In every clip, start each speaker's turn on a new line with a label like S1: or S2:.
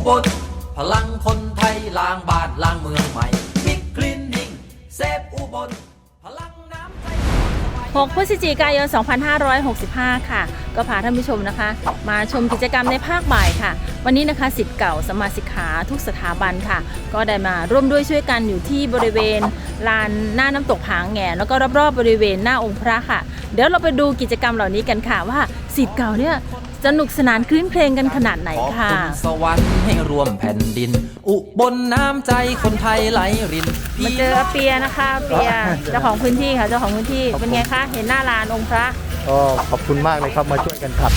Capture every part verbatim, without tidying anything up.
S1: บลพลังคนไทยล้างบ้านล้างเมืองใหม่บิ๊กคลีนนิ่งเซฟอุบลพลังน้ำใจ
S2: หกพฤศจิกายน สองพันห้าร้อยหกสิบห้า ค่ะก็พาท่านผู้ชมนะคะ มาชมกิจกรรมในภาคบ่ายค่ะวันนี้นะคะศิษย์เก่าสมาชิกขาทุกสถาบันค่ะก็ได้มาร่วมด้วยช่วยกันอยู่ที่บริเวณลานหน้าน้ำตกผางแหงแล้วก็รอบๆบริเวณหน้าองค์พระค่ะเดี๋ยวเราไปดูกิจกรรมเหล่านี้กันค่ะว่าศิษย์เก่าเนี่ยสนุกสนานคลื้นเพลงกันขนาดไหนค่ะ
S1: ขอบคุณสวรรค์ให้รวมแผ่นดินอุบลน้ำใจคนไทยไหลริน
S2: มาเจอเปียนะคะเปียเจ้าของพื้นที่ค่ะเจ้าของพื้นที่เป็นไงคะเห็นหน้าลานองค์พระ
S3: ก็ขอบคุณมากเลยครับมาช่วยกันขัด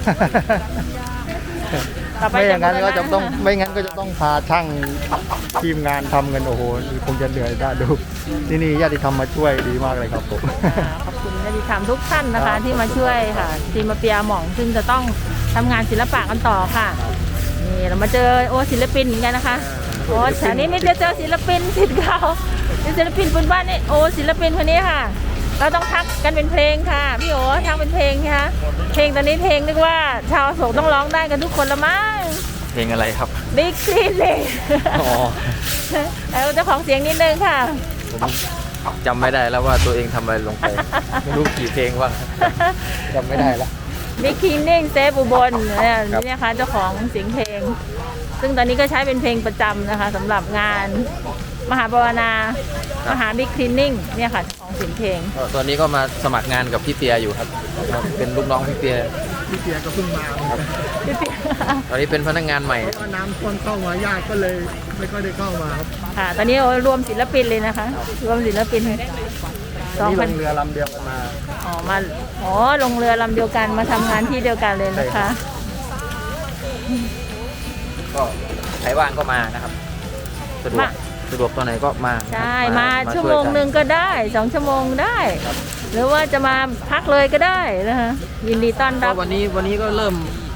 S3: ไม่อย่างนั้นก็จะต้องไม่งั้นก็จะต้องพาช่างทีมงานทำกันโอ้โหคงจะเหนื่อยได้ดูที่นี่ญาติธรรมมาช่วยดีมากเลยครับผม
S2: ขอบคุณญาติธรรมทุกท่านนะคะที่มาช่วยค่ะทีมมาเปียหม่องซึ่งจะต้องทำงานศิลปะกันต่อค่ะนี่เรามาเจอโอศิลปินเหมือนกันนะคะโอ้แถวนี้นี่จะเจอศิลปินศิลป์เก่าเป็นศิลปินพื้นบ้านนี่โอศิลปินคนนี้ค่ะเราต้องทักกันเป็นเพลงค่ะพี่โอทักเป็นเพลงค่ะเพลงตอนนี้เพลงนึกว่าชาวโศกต้องร้องได้กันทุกคนละมั้ง
S1: เพลงอะไรครับ
S2: บิ๊กซีเลยอ๋อแล้วเจ้าของเสียงนิดนึงค่ะ
S1: ผมจำไม่ได้แล้วว่าตัวเองทำอะไรลงไปไม่รู้กี่เพลงว่างจำไม่ได้แล้ว
S2: บิ๊กคลีนนิ่งเซฟอุบลนี่นะคะเจ้าของเสียงเพลงซึ่งตอนนี้ก็ใช้เป็นเพลงประจำนะคะสำหรับงานมหาบวนา มหาบิ๊กคลีนนิ่งเนี่ยค่ะของเสียงเพลง
S1: ตอนนี้ก็มาสมัครงานกับพี่เปียอยู่ครับเป็นลูกน้องพี่เปีย
S3: พี่เปียก็เพิ่งมาครับ
S1: ตอนนี้เป็นพนักงานใหม่
S3: ก็น้ำท่วมเข้ามายากก็เลยไม่ค่อยได้เข้ามาครับ
S2: ค่ะตอนนี้รวมศิลปินเลยนะคะรวมศิลปิน
S3: สองพันเรือลำเดียวกันมา
S2: อ๋อมาอ๋อลงเรือลำเดียวกันมาทำงานที่เดียวกันเลยนะคะ
S1: ก็ใครว่างก็มานะครับสะดวกสะดวกตอนไหนก็มา
S2: ใช่มาชั่วโมงหนึ่งก็ได้สองชั่วโมงได้หรือว่าจะมาพักเลยก็ได้นะคะยินดีต้อนรับ
S1: วันนี้วันนี้ก็เริ่ม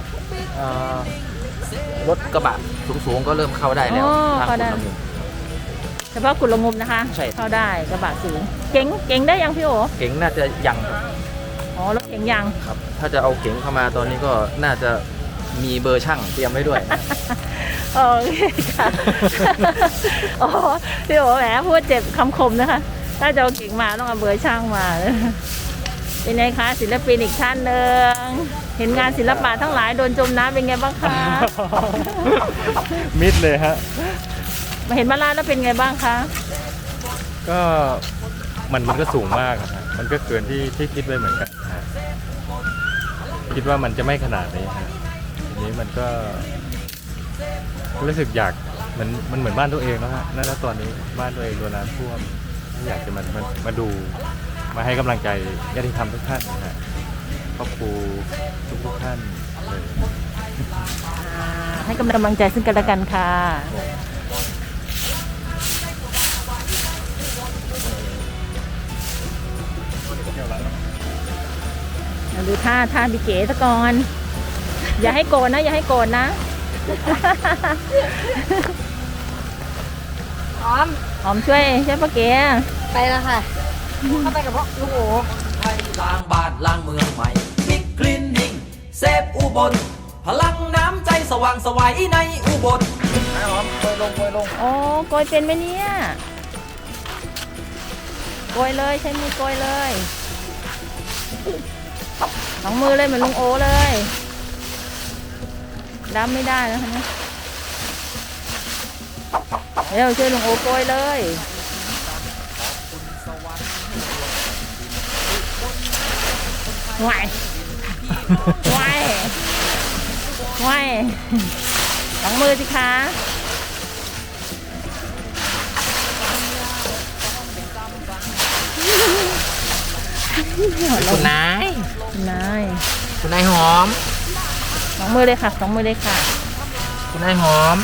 S1: รถกระบะสูงๆก็เริ่มเข้าได้แล้วทางคุณละมุม
S2: เฉพาะกุลงุมนะคะเข้าได้กระบะสูงเก๋งเก๋งได้ยังพี่โอ
S1: เก๋งน่าจะยัง
S2: อ๋อรถเก๋งยัง
S1: ครับถ้าจะเอาเก๋งเข้ามาตอนนี้ก็น่าจะมีเบอร์ช่างเตรียมไว้ด้วย
S2: โอเคค่ะโอ้พี่โอแหมพูดเจ็บคำคมนะคะถ้าจะเอาเก่งมาต้องเอาเบอร์ช่างมาเป็นไงคะศิลปินอีกท่านหนึ่งเห็นงานศิลปะทั้งหลายโดนจมน้ำเป็นไงบ้างคะ
S3: มิดเลยฮะ
S2: มาเห็นมาลาแล้วเป็นไงบ้างคะ
S3: ก็มันมันก็สูงมากครับมันก็เกินที่ที่คิดไว้เหมือนกันคิดว่ามันจะไม่ขนาดนี้ฮะทีนี้มันก็รู้สึกอยากมันมันเหมือนบ้านตัวเองแล้วฮะนั่นแล้วตอนนี้บ้านตัวเองโดนน้ำท่วมอยากจะมามามาดูมาให้กำลังใจญาติธรรมทุกท่านนะฮะครอบครัวทุกทุกท่านเลย
S2: ให้กำลังใจซึ่งกันและกันค่ะดูท่าท่าบิเก๋ตะกอนอย่าให้โกนนะอย่าให้โกนนะ
S4: หอม
S2: หอมช่วยช่วยป้าเก๋
S4: ไปแล้วค่ะเข้าไปกับพ่อลูกโอ๋
S1: ไทยล้างบ้านล้างเมืองใหม่บิ๊กคลีนนิ่งเซฟอุบลพลังน้ำใจสว่างสวัยในอุบลหอมโกยลงโกยลง
S2: โอ้โกยเป็นไหมเนี่ยโกยเลยใช้มือโกยเลยสองมือเลยเหมือนลุงโอเลยดำไม่ได้แล้วนะเดี๋ยวช่วยลุงโอโกยเลยไหวไหวไหวสองมือสิคะ
S1: คุณนาย
S2: คุณนาย
S1: คุณนายหอม
S2: สองมือเลยค่ะสองมือเลยค่ะ
S1: คุณนายหอม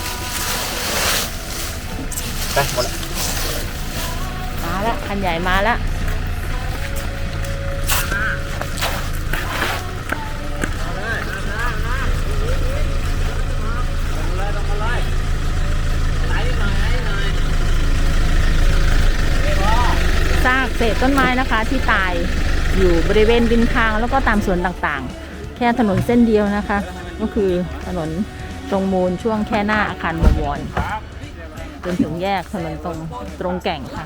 S1: ไปหมดละ
S2: มาละคันใหญ่มาละซากเศษต้นไม้นะคะที่ตายอยู่บริเวณริมทางแล้วก็ตามสวนต่างๆแค่ถนนเส้นเดียวนะคะก็คือถนนตรงมูลช่วงแค่หน้าอาคารบวรจนถึงแยกถนนตรงตรงแก่งค่ะ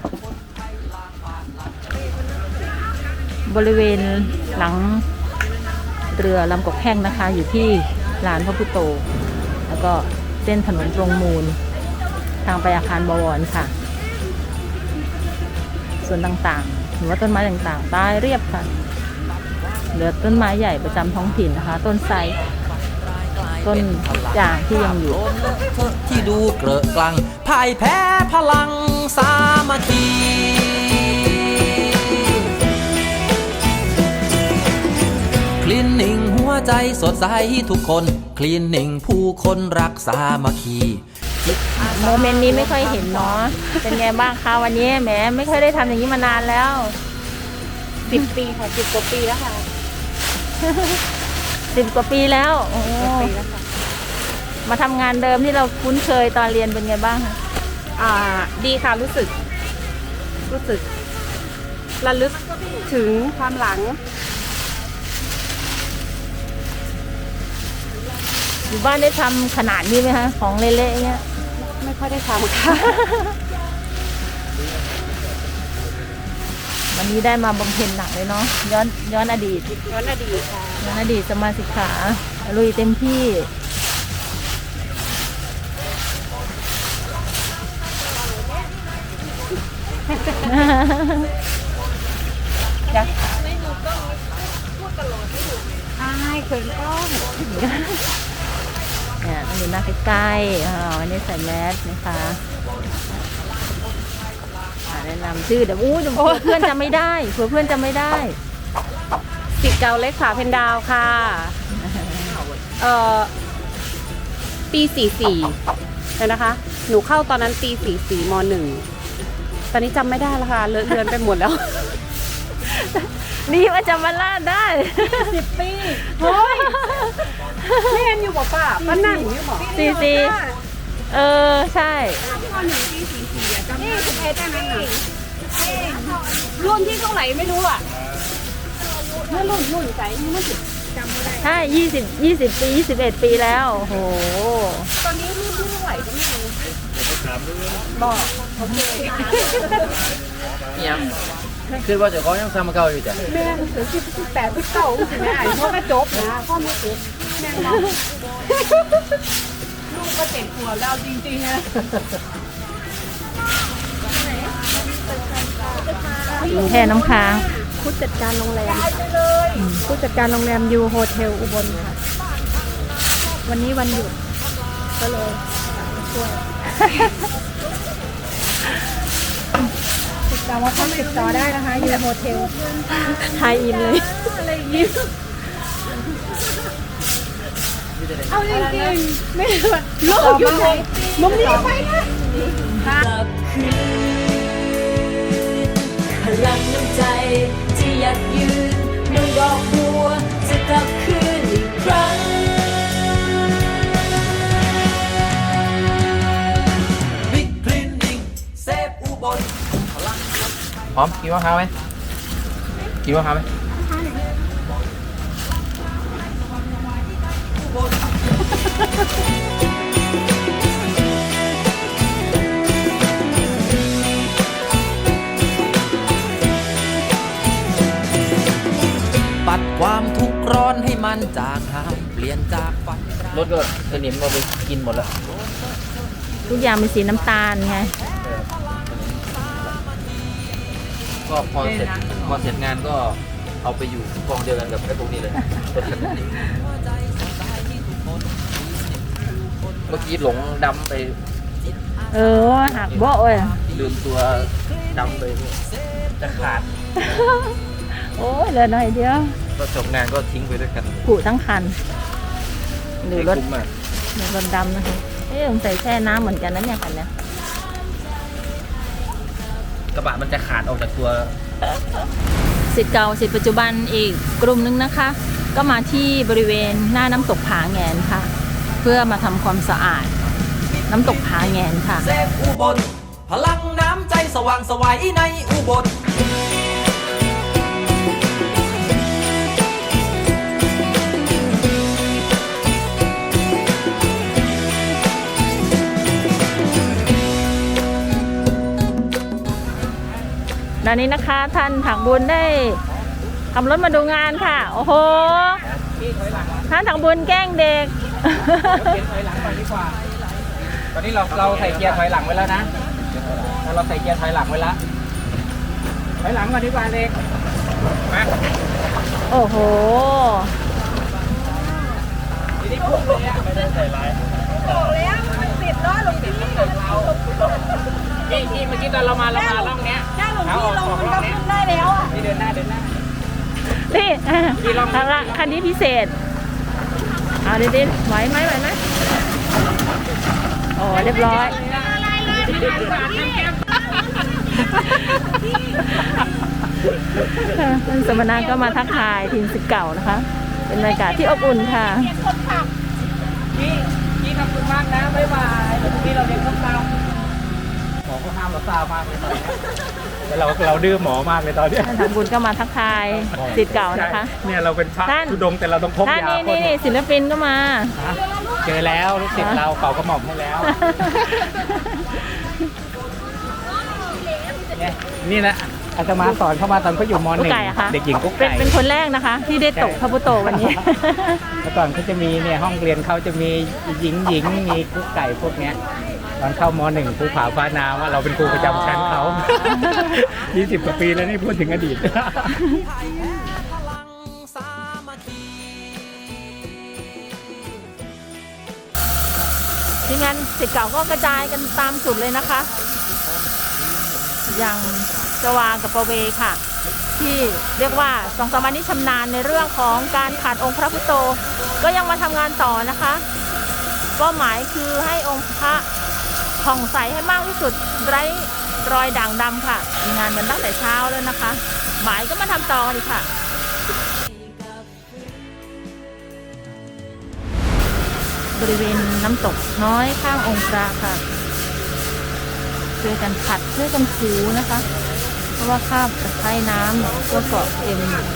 S2: บริเวณหลังเรือลำกกแห้งนะคะ อยู่ที่ลานพระพุทโธแล้วก็เส้นถนนตรงมูลทางไปอาคารบวรค่ะ ส่วนต่างๆหรือว่าต้นไม้ต่างๆใต้เรียบค่ะเหลือต้นไม้ใหญ่ประจำท้องถิ่นนะคะ ต้นไทรต้นจางที่ยังอยู่
S1: ที่ดูเกลอะกลังพ่ายแพ้พลังสามัคคีคลีนนิ่งหัวใจสดใสทุกคนคลีนนิ่งผู้คนรักสามัคคี
S2: โมเมนต์นี้ไม่ค่อยเห็นเนาะเป็นไงบ้างคะวันนี้แหมไม่ค่อยได้ทำอย่างนี้มานานแล้วสิบปีค่ะสิบกว่าปีแล้วค่ะสิบกว่าปีแล้วโอ้มาทำงานเดิมที่เราคุ้นเคยตอนเรียนเป็นไงบ้างคะ
S4: อ่าดีค่ะรู้สึก รู้สึกระลึกถึงความหลัง
S2: อยู่บ้านได้ทำขนาดนี้ไหมคะของเละๆเงี้ย
S4: ไม่ค่อยได้ทำค่ะ
S2: วันนี้ได้มาบำเพ็ญหนักเลยเนาะย้อนย้อนอดีต
S4: ย้อนอดีตค่ะ
S2: ย้อนอดีตสมาสิกขาลุยเต็มที่
S4: จะใช่เขินกล้อง
S2: เนี่ยต้องดูหน้าใกล้ๆอ่าวันนี้ใส่แมสนะคะอ่าแนะนำชื่อเดี๋ยวอู้เดี๋ยวเพื่อนจะไม่ได้เผื่อเพื่อนจะไม่ได้
S4: สิทธิ์เก่าเล็กขาเพนดาวค่ะ เอ่อ ปีสี่สี่เลยนะคะ หนูเข้าตอนนั้นปีสี่สี่มหนึ่ง ตอนนี้จำไม่ได้แล้วค่ะเลอะเลือนไปหมดแล้ว
S2: นี่ว่าจะมาล่าได้
S4: สิบปี เฮ้ยแม่นอยู่บอกป้าป้านั่งอยู่บอก
S2: สี่สี่เออใช่
S4: นี่สิบเอ็ดได้ไหมรุ่นที่เท่าไหร่ไม่รู้อ่ะเมื่อรุ่นรุ่นใจนี่มันสิจำไม่ได้
S2: ใช่ยี่สิบยี่สิบปียี่สิบเอ็ดปีแล้วโอ้โห
S4: ตอนนี้รุ่นที่เท่าไหร่ก็ไม่รู้บอกโอเค
S5: ยังคือว่าเจะเขายังทำมาเก่าอยู่จ้ะ
S4: แม่ถึงสิบสิบแปดสิบเก้าสิแม่พ่อก็จบนะพ่อไม่จบแม่เราลูกก็เจ็ดขวบแล้วจริงๆนะ
S2: แค่น้ำค้าง
S4: ผู้จัดการโรงแรมผู้จัดการโรงแรมยูโฮเทลอุบลค่ะ วันนี้วันหยุดก็เลยมาช่วยติดต่อว่าต้องติดต่อได้นะคะยูโฮเทล
S2: ไทยอินเลย
S4: อะไรอย่างนี้เอาจริงๆไม่ว่าลูกอยู่ไหนมุมนี้ไปนะ
S6: พลังน้ำใจที่อยากยืนเมืองดอกบัวจะกลับคืนอีกครั้ง
S1: บิ๊กคลีนนิ่งเซฟอุบลพลัง
S5: พร้อมกินมะพร้าวไหมกินมะพร้าวไหม
S1: ปัดความทุกข์ร้อนให้มันจางหายเปลี่ยนจากฝันร้าย
S5: รถก็สนิมเราไปกินหมดแล้ว
S2: ทุกอย่างเป็นสีน้ำตาลไง
S5: ก็พอเสร็จพอเสร็จงานก็เอาไปอยู่กองเดียวกันกับไอ้พวกนี้เลย เมื่อกี้หลงดำไป
S2: เออหักเบาะเว้ย
S5: ลืมตัวดำไปจะขาด
S2: โอ้ยเหลือหน่อยเดียว
S5: ก็จบงานก็ทิ้งไปด้วยกัน
S2: ผุทั้งคัน หรือรถ
S5: ไม่คุ้มอะ
S2: หรือรถดำนะคะเอ๊ะสงสัยแช่น้ำเหมือนกันนะเนี่ยคันเนี้ย
S5: กระบะมันจะขาดออกจากตัว
S2: สิทธิ์เก่าสิทธิ์ปัจจุบันอีกกลุ่มนึงนะคะ ก็มาที่บริเวณหน้าน้ำตกผาแงนค่ะ เพื่อมาทำความสะอาด น้ำตกผาแงนค่ะ
S1: เซฟอุบลพลังน้ำใจสว่างไสวัยในอุบล
S2: ณะนี้นะคะท่านถังบุญได้ขับรถมาดูงานค่ะ โอ้โหท่านถังบุญแกล้งเด็ก
S5: ถอยหลังก่อนดีกว่า ตอนนี้เราเราใส่เกียร์ถอยหลังไว้แล้วนะเราใส่เกียร์ถอยหลังไว้แล้วถอยหลังก่อนดีกว่าเด็กมา
S2: โอ้โห
S5: ทีนี้พุ่งเลยอ่ะไม่ได้ใส่ร้ายบอกแล้วมันติดล้อหลงที่ที่เมื่อกี้ตอนเรามาเรามาล่องเนี้ยเอาออกออกล่องเนี้ยได้แล้วอ่ะนี่เดินหน้าเดินหน้า
S2: นี่ทางละคันนี้พิเศษเอาดิๆไหวไหมไหวไหมโอ้เรียบร้อยท่านสมณะก็มาทักทายทีมศิษย์เก่านะคะ เป็นบรรยากาศที่อบอุ่นค่ะ
S5: พี่พี่ขอบคุณมากนะบ๊ายบายพี่เราเรียนต้องตามหมอก็ห้ามเราตามมากเลยตอนนี้เราเราดื้อหมอมากเลยตอนนี้
S2: ท่านทำบุญก็มาทักทายศิษย์เก่านะคะ
S5: เนี่ยเราเป็นพระ
S2: ท่าน
S5: ธุดงค์แต่เราต้องพก
S2: ท่าน
S5: ยา
S2: นี่
S5: พ่น
S2: นี่ศิลปินก็มา
S5: เจอแล้วลูกศิษย์เราเป่ากระหม่อมให้แล้วเนี่ยนี่แหละอาตมาสอนเข้ามาตอนเขาอยู่มห
S2: กุ๊
S5: นึ่
S2: ก
S5: ง
S2: ไก่อะคะ
S5: เด็กหญิงกุ๊ก
S2: เป็น
S5: ไก่
S2: เป็นคนแรกนะคะ ที่ได้ตกพระพุโตวันนี้
S5: เมื่อก่อนเขาจะมีเนี่ยห้องเรียนเขาจะมีหญิงหญิงมีกุ๊กไก่พวกเนี้ยตอนเข้ามหนึ่งครูผาฟ้านาว่าเราเป็นครูประจำชั้นเขา ยี่สิบกว่าปีแล้วนี่พูดถึงอดีต
S2: ทีมงานศิษย์เก่าก็กระจายกันตามจุดเลยนะคะ อย่างจวากับประเวค่ะ ที่เรียกว่าสองสามวันนี้ชำนาญในเรื่องของการขัดองค์พระพุทโธก็ยังมาทำงานต่อนะคะเป้าหมายคือให้องค์พระผ่องใสให้มากที่สุดไร้รอยด่างดำค่ะมีงานกันตั้งแต่เช้าแล้วนะคะบ่ายก็มาทำต่อเลยค่ะ บริเวณน้ำตกน้อยข้างองค์พระค่ะช่วยกันขัดช่วยกันถูนะคะ เพราะว่าคราบตะไคร่น้ำก็เกาะเต็ม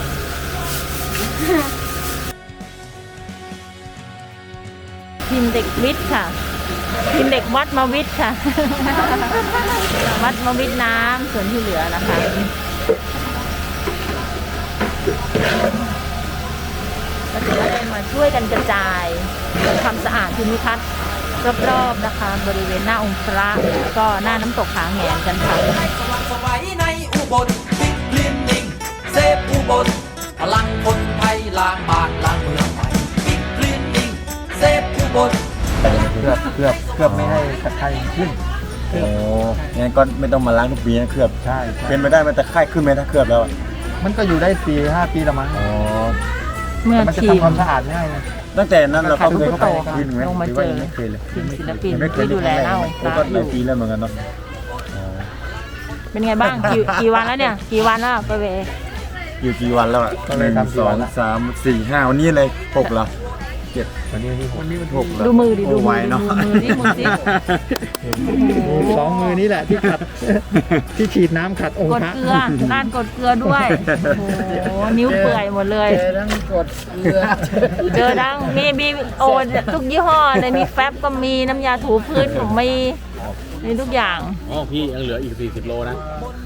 S2: ทีมเด็กวิทย์ค่ะทีมเด็กวัดมาวิทย์ค่ะ วัดมาวิทย์น้ำส่วนที่เหลือนะคะก็ถือว่าได้มาช่วยกันกระจายความสะอาดภูมิทัศน์รอบๆนะคะบริเวณหน้าองค์พระก็หน้าน้ำตกผาแหงกันค่ะ
S1: สว่างสวัยในอุบลบิ๊กคลีนนิ่งเซฟอุบลพลังคนไทยล้างบ้านล้างเมืองใหม่บิ๊กคลีนนิ่งเซฟอุบล
S7: เคลือบเคลือบเคลือบไม่ให้ตะไคร่ขึ้นโอ้งั้นก็ไม่ต้องมาล้างทุกปีนะเคลือบใช่เป็นไปได้ไหมตะไคร่ขึ้นไหมถ้าเคลือบแล้วอะมันก็อยู่ได้สี่ห้าปีละมั้งอ๋อ
S2: เมื่อ
S7: มันจะ
S2: ทีม
S7: ทำความสะอาดง่ายนะตั้งแต่นั้นเราก็เคยเข้าไปคืนไหม
S2: ลงมา
S7: หรือ
S2: เจ
S7: ว่า
S2: อ
S7: ยังไม่เคยเลย
S2: ทีมศิลปิน
S7: ยังไม่เคย
S2: ที่ดูแลหน้าองค์พระ
S7: ก็
S2: อ
S7: หลาย
S2: ยู่
S7: ปีแล้วเหมือนกันเนาะอ๋อ
S2: เป็นไงบ้างกี่กี่วันแล้วเนี่ยกี่วันแล้วไปเว
S7: อยู่กี่วันแล้วอะหนึ่งสองสามสี่ห้าวันนี้เลยหกเหรอเจ็ดวันนี้วันนี้มันหกเหรอ
S2: ดูมือดิดู
S7: โไว
S2: มือ
S7: เนาะ
S2: ดูมือดิมือสิ
S8: สองมือนี้แหละที่ขัด ที่ฉีดน้ำขัดองค์
S2: กด
S8: พระ
S2: เกลือการกดเกลือด้วยโอ้โหนิ้วเปื่อยหมดเลย
S7: เจอทั้งกดเกลือ
S2: เจอดังมีมีโอ้ทุกยี่ห้อเลยมีแฟบก็มีน้ำยาถูพื้นผมมีมีทุกอย่าง
S3: อ๋อพี่ยังเหลืออีกสี่สิบโลนะ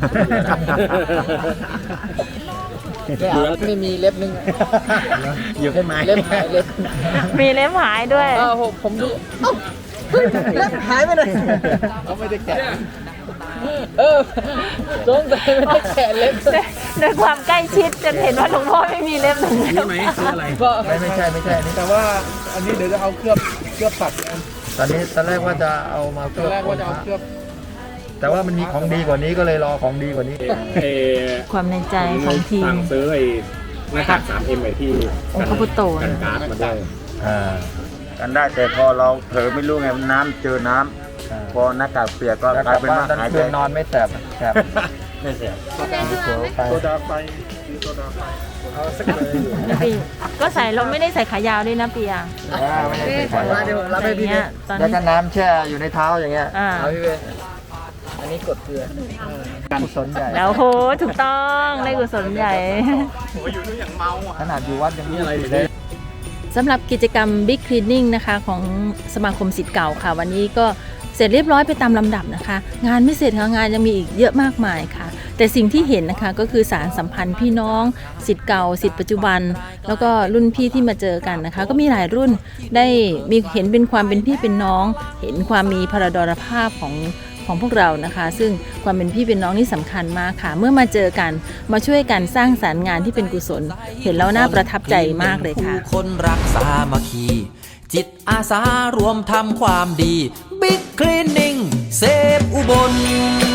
S5: ไม่มีเล็บนึง
S7: อยู่แค่ไม้
S5: เล็บหายเล็บ
S2: มีเล็บหายด้วย
S5: เออผมผมดู
S7: เล็บหายไปเลย
S5: เขาไม่ได้แกะเออสงสัยไม่ได้แกะเล็บ
S2: ด้วยด้วยความใกล้ชิดจนเห็นว่าหลวงพ่อไม่มีเล็บหนึ่งเล็บ
S5: ก็
S7: ไม่ไม่ใช่ไม่ใช่นี่
S8: แต่ว่าอันนี้เดี๋ยวจะเอาเคลือบเคลือบปัด
S7: ตอนนี้ตอนแรกว่าจะเอามาเค
S8: ตอ
S7: ลื
S8: น
S7: อบ
S8: แรกว่าจะเอาเคลือบ
S7: แต่ว่ามันมีของดีกว่านี้ก็เลยรอของดีกว่านี้
S2: ความในใจของทีม
S3: สั่งซื้อไอ้หน้ากากสามเอ็มไอ้ที่
S2: องค์พระพุทโธ
S3: กัน
S2: นะ
S3: การ์ดมาด้วย
S7: อ่ากันได้แต่พอเราเผลอไม่รู้ไงน้ำเจอน้ำพอหน้ากากเปียกก็กลายเป็นว่าหายใจนอนไม่แสบแสบไม่แสบโซดาไฟโซดาไฟเอาสักเลย
S2: ปีก็ใส่เราไม่ได้ใส่ขายาวด้วยนะปีอ่ะ
S7: ไม่ได้ใส่เดี๋ยวผมรับให้พี่
S2: เนี้ยตอน
S7: แล้ว
S2: นี้
S7: ก็น้ำแช่อยู่ในเท้าอย่างเงี้ย
S2: อ่า
S7: เอาพี่เวอันนี้กดเกลือกุศลใหญ่
S2: แล้วโหถูกต้องได้กุศลใหญ่
S7: ขนาดอยู่วัดยังมีอะไรเลย
S2: สำหรับกิจกรรม Big Cleaning นะคะของสมาคมศิษย์เก่าค่ะ วันนี้ก็เสร็จเรียบร้อยไปตามลำดับนะคะ งานไม่เสร็จค่ะงานยังมีอีกเยอะมากมายค่ะ แต่สิ่งที่เห็นนะคะก็คือสารสัมพันธ์พี่น้องศิษย์เก่าศิษย์ปัจจุบัน แล้วก็รุ่นพี่ที่มาเจอกันนะคะ ก็มีหลายรุ่นได้มีเห็นเป็นความเป็นพี่เป็นน้อง เห็นความมีพระดรภาพของของพวกเรานะคะ ซึ่งความเป็นพี่เป็นน้องนี่สำคัญมากค่ะ เมื่อมาเจอกันมาช่วยกันสร้างสรรค์งานที่เป็นกุศล เห็นแล้วน่าประทับใจมากเลยค่ะ
S1: ผู้คนรักสามัคคี จิตอาสารวมทำความดี บิ๊กคลีนนิ่งเซฟอุบล